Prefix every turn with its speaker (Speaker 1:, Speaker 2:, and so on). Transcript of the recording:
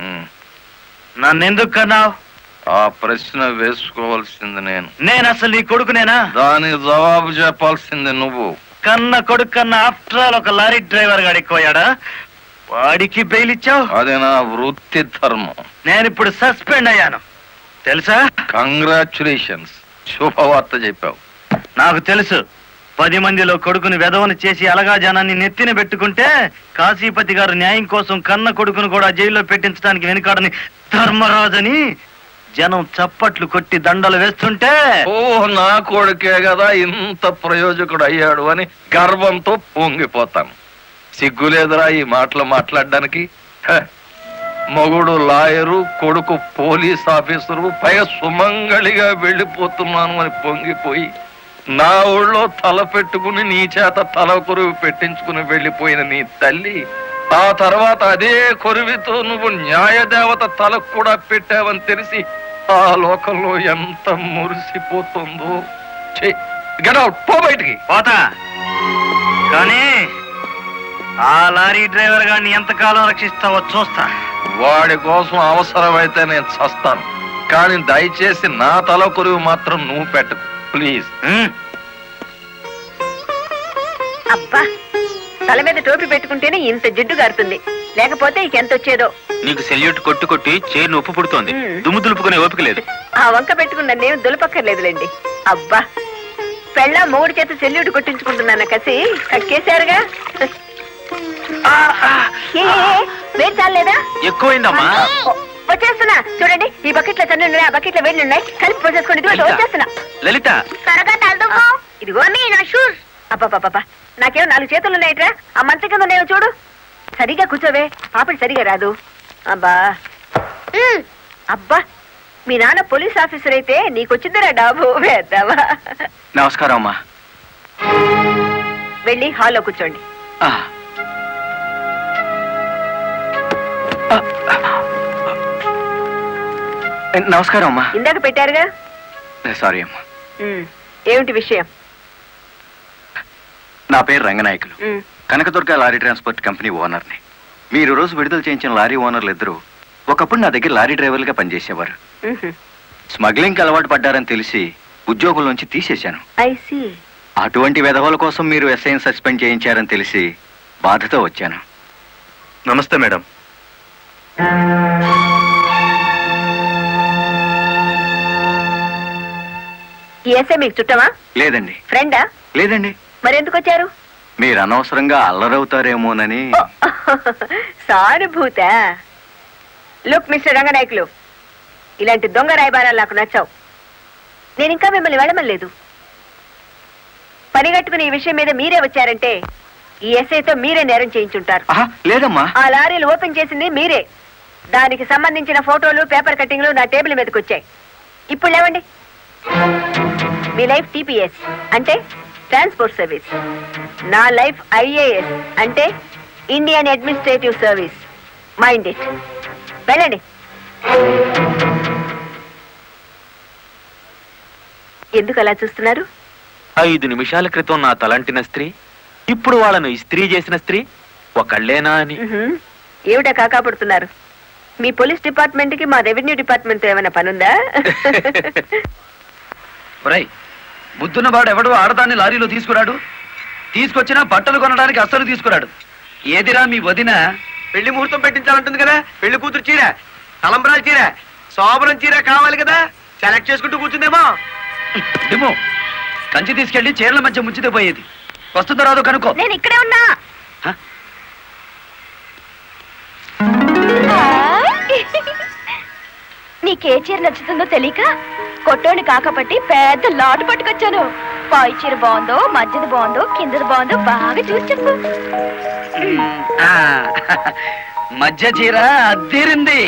Speaker 1: నన్నెందుకు కన్నావు?
Speaker 2: ఆ ప్రశ్న వేసుకోవాల్సింది
Speaker 1: నేను అసలు నీ కొడుకునేనా?
Speaker 2: దానికి జవాబు చెప్పాల్సింది నువ్వు.
Speaker 1: కన్న కొడుకు కన్నా ఆఫ్టర్ ఆల్ ఒక లారీ డ్రైవర్ గాడిపోయాడా? వాడికి బెయిల్ ఇచ్చావు?
Speaker 2: అది నా వృత్తి ధర్మం.
Speaker 1: నేను ఇప్పుడు సస్పెండ్ అయ్యాను తెలుసా?
Speaker 2: కంగ్రాచులేషన్స్, శుభవార్త చెప్పావు.
Speaker 1: నాకు తెలుసు. 10 మందిలో కొడుకుని వెధవను చేసి అలగా జనాన్ని నెత్తిన పెట్టుకుంటే కాశీపతి గారు న్యాయం కోసం కన్న కొడుకును కూడా జైల్లో పెట్టించడానికి వెనుకాడని ధర్మరాజని జనం చప్పట్లు కొట్టి దండలు వేస్తుంటే,
Speaker 2: ఓ నా కొడుకే కదా ఇంత ప్రయోజకుడు అయ్యాడు అని గర్వంతో పొంగిపోతాను. సిగ్గులేదురా ఈ మాటలు మాట్లాడడానికి? మగుడు లాయరు, కొడుకు పోలీస్ ఆఫీసరు, పైగా సుమంగళిగా వెళ్ళిపోతున్నాను అని పొంగిపోయి నా ఊళ్ళో తల పెట్టుకుని నీ చేత తల కొరువు పెట్టించుకుని వెళ్ళిపోయిన నీ తల్లి ఆ తర్వాత అదే కొరువితో నువ్వు న్యాయదేవత తలకు కూడా పెట్టావని తెలిసి ఆ లోకంలో ఎంత మురిసిపోతుందో. గెట్ అవుట్, పో బయటికి.
Speaker 1: పోతా, కానీ ఆ లారీ డ్రైవర్ గారిని ఎంతకాలం రక్షిస్తావో చూస్తా.
Speaker 2: వాడి కోసం అవసరమైతే నేను చస్తాను, కానీ దయచేసి నా తల కొరువు మాత్రం నువ్వు పెట్టకు ప్లీజ్.
Speaker 3: అబ్బా, తల మీద టోపీ పెట్టుకుంటేనే ఇంత జిడ్డు గారుతుంది, లేకపోతే ఇంకెంత వచ్చేదో.
Speaker 1: నీకు సెల్యూట్ కొట్టు కొట్టి చేరు ఉప్పు పుడుతోంది, దుమ్ము దులుపుకునే ఓపిక లేదు.
Speaker 3: ఆ వంక పెట్టుకున్న నేను దులపక్కర్లేదులేండి. అబ్బా, పెళ్ళ మూడు చేత సెల్యూట్ కొట్టించుకుంటున్నాను కసి కక్కేశారుగా. వేడి చాలేదా?
Speaker 1: ఎక్కువైందమ్మా.
Speaker 3: వచ్చేస్తున్నా చూడండి, ఈ బకెట్ లో తన్ను ఉన్నాయి, ఆ బకెట్ లో వేడి ఉన్నాయి, కలిపి పోసేసుకోండి. వచ్చేస్తున్నా.
Speaker 1: లలిత,
Speaker 3: త్వరగా తలదుకో. ఇదిగో నా షూస్. అబ్బా, నాకేమో 4 చేతులు ఉన్నాయిట్రా, ఆ మంచం కింద ఉన్నాయో చూడు. సరిగా కూర్చోవే, పాపడి సరిగా రాదు. అబ్బా అబ్బా, మీ నాన్న పోలీస్ ఆఫీసర్ అయితే నీకొచ్చిందిరా డాబు వేద్దావా.
Speaker 1: నమస్కారం అమ్మా.
Speaker 3: వెళ్ళి హాల్లో కూర్చోండి.
Speaker 1: నమస్కారం అమ్మా.
Speaker 3: ఇందాక పెట్టారుగా.
Speaker 1: సారీ అమ్మా.
Speaker 3: ఏమిటి విషయం?
Speaker 1: నా పేరు Ranganayakulu, Kanakadurga lorry transport company ఓనర్ని. మీరు రోజు విడుదల చేయించిన లారీ ఓనర్లు ఇద్దరు ఒకప్పుడు నా దగ్గర లారీ డ్రైవర్లుగా పనిచేసేవారు. స్మగ్లింగ్ అలవాటు పడ్డారని తెలిసి ఉద్యోగుల నుంచి తీసేశాను. అటువంటి వెధవల కోసం మీరు ఎస్ఐని సస్పెండ్ చేయించారని తెలిసి బాధతో వచ్చాను. నమస్తే మేడం.
Speaker 3: ఈ ఎస్ఐ మీకు చుట్టమా?
Speaker 1: లేదండి.
Speaker 3: ఫ్రెండా?
Speaker 1: లేదండి.
Speaker 3: మరెందుకు వచ్చారు?
Speaker 1: మీరు అనవసరంగా అల్లరవుతారేమోనని.
Speaker 3: సానుభూత. లుక్ మిస్టర్ రంగనాయకులు, ఇలాంటి దొంగ రాయబారాలు నాకు నచ్చావు. నేను ఇంకా మిమ్మల్ని వెళ్ళమలేదు. పనిగట్టుకుని ఈ విషయం మీద మీరే వచ్చారంటే ఈ ఎస్ఐతో మీరే నేరం చేయించుంటారు.
Speaker 1: లేదమ్మా,
Speaker 3: ఆ లారీలు ఓపెన్ చేసింది మీరే. దానికి సంబంధించిన ఫోటోలు, పేపర్ కట్టింగ్లు నా టేబుల్ మీదకి వచ్చాయి. ఇప్పుడు లేవండి. మీ లైఫ్ టీపీఎస్ అంటే ట్రాన్స్పోర్ట్ సర్వీస్, నా లైఫ్ ఐఏఎస్ అంటే Indian administrative service. Mind it. వెళ్ళండి. ఎందుకు అలా చూస్తున్నారు?
Speaker 1: 5 నిమిషాల క్రితం నా తలంటిన స్త్రీ ఇప్పుడు వాళ్ళను ఇస్త్రీ చేసిన స్త్రీ ఒకళ్ళేనా అని.
Speaker 3: ఏమిటా కాకాపడుతున్నారు? మీ పోలీస్ డిపార్ట్మెంట్ కి మా రెవెన్యూ డిపార్ట్మెంట్ తో ఏమైనా పనుందా?
Speaker 4: బుద్ధున్నవాడు ఎవడు ఆడదాన్ని లారీలో తీసుకురాడు, తీసుకొచ్చినా బట్టలు కొనడానికి అస్సలు తీసుకురాడు. ఏదిరా మీ వదిన పెళ్లి ముహూర్తం పెట్టించాలంటుంది కదా, పెళ్లి కూతురు చీర, తలంబరాల చీర, శోభనం చీర కావాలి కదా, సెలెక్ట్ చేసుకుంటూ కూర్చుందేమో. ఏమో కంచి తీసుకెళ్లి చీరల మధ్య ముంచితే పోయేది. వస్తుందో రాదో కనుక్కో.
Speaker 3: నేను ఇక్కడే ఉన్నా. నీకే చీర నచ్చుతుందో తెలియక కొట్టోని కాకపట్టి పెద్ద లాటు పట్టుకొచ్చాను. పై చీర బాగుందో, మధ్యది బాగుందో, కిందది బాగుందో బాగా చూసి చెప్పు.
Speaker 4: మధ్య చీర అద్దీరింది.